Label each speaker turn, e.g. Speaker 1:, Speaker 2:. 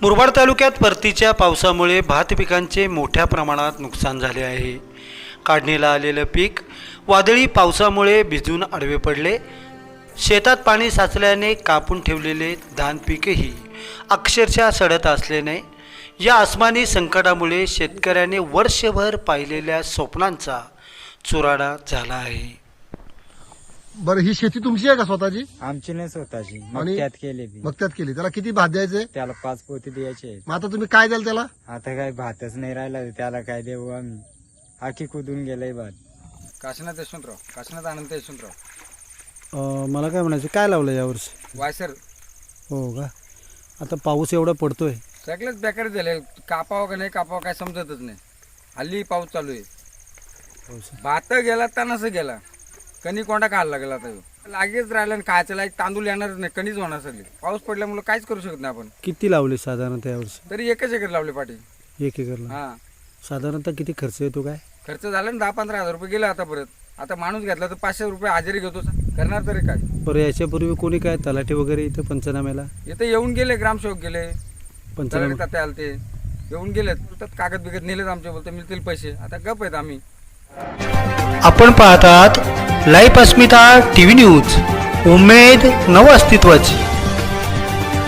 Speaker 1: मुरबाड तालुक्यात परतीच्या पावसामुळे भात पिकांचे मोठ्या प्रमाणात नुकसान झाले आहे। काढणीला आलेले पीक वादळी पावसामुळे भिजून आडवे पडले। शेतात पाणी साचल्याने कापून ठेवलेले धान पीकही अक्षरशः सडत असल्याने या आसमानी संकटामुळे शेतकऱ्याने वर्षभर पाहिलेल्या स्वप्नांचा चुराडा झाला आहे।
Speaker 2: बरं, ही शेती तुमची आहे का स्वतःची?
Speaker 3: आमची नाही स्वतःची,
Speaker 2: आणि
Speaker 3: मक्त्यात केली ती.
Speaker 2: मक्त्यात केली. त्याला किती भात द्यायचे?
Speaker 3: त्याला 5 पोती द्यायचे आहेत.
Speaker 2: मग आता तुम्ही काय द्याल त्याला?
Speaker 3: आता काय भातच नाही राहिला, त्याला काय देऊ आम्ही? आखी कुदून गेलंय भात.
Speaker 4: काशीनाथ यशवंतराव, काशीनाथ आनंद यशवंतराव.
Speaker 1: मला काय म्हणायचं, काय लावलं यावर्षी?
Speaker 4: वायसर
Speaker 1: हो का? आता पाऊस एवढा पडतोय,
Speaker 4: सगळेच बेकार झाले. कापावं का नाही कापावं काय समजतच नाही. हल्ली पाऊस चालू आहे. भात गेला तणास गेला, कणी कोंडा खायला लागला. आता लागेच राहिला आणि खायचं लाईक तांदूळ येणारच नाही, कणीच होणार सगळी. पाऊस पडल्यामुळे काहीच करू शकत नाही आपण.
Speaker 1: किती लावले साधारणतः यावर्षी?
Speaker 4: तरी एकच एकर लावले पाठी.
Speaker 1: 1 एकरला
Speaker 4: हा,
Speaker 1: साधारणतः किती खर्च येतो काय?
Speaker 4: खर्च झाला ना 10-15 हजार रुपये गेले. आता परत आता माणूस घेतला तर 500 रुपये हजेरी घेतो. करणार तरी काय?
Speaker 1: बरं, याच्यापूर्वी कोणी काय तलाठी वगैरे इथं पंचनाम्याला
Speaker 4: इथे येऊन गेले, ग्रामसेवक गेले,
Speaker 1: पंचनामे
Speaker 4: तात्या आलते, येऊन गेलेत. तर कागद बिगद नेलेत आमचे, बोलते मिळतील पैसे. आता गप आहेत आम्ही.
Speaker 1: आपण पाहतात लाईव्ह अस्मिता टीव्ही न्यूज, उमेद नव अस्तित्वाची।